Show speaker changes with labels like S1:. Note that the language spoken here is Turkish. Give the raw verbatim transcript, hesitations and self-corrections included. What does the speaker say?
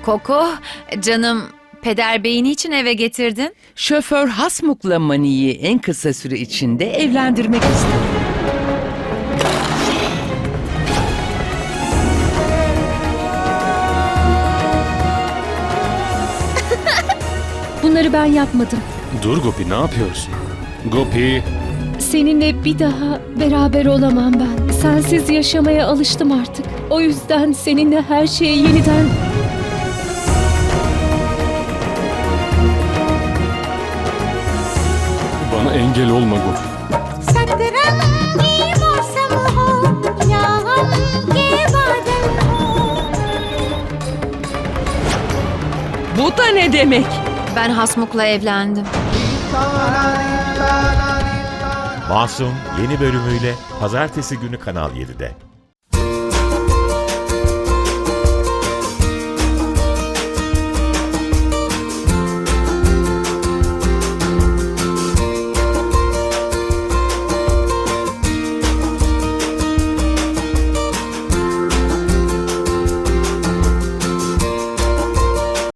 S1: Koko, canım, peder beyini için eve getirdin.
S2: Şoför Hasmuk'la Mani'yi en kısa süre içinde evlendirmek ister.
S3: Bunları ben yapmadım.
S4: Dur Gopi, ne yapıyorsun? Gopi,
S3: Seninle bir daha beraber olamam ben. Sensiz yaşamaya alıştım artık. O yüzden seninle her şeyi yeniden...
S4: bana engel olma Gopi.
S5: सतरंगी मौसम हो या गम के बादल हो।
S2: Bu da ne demek?
S1: Ben Hasmuk'la evlendim.
S6: Masum yeni bölümüyle Pazartesi günü Kanal yedide.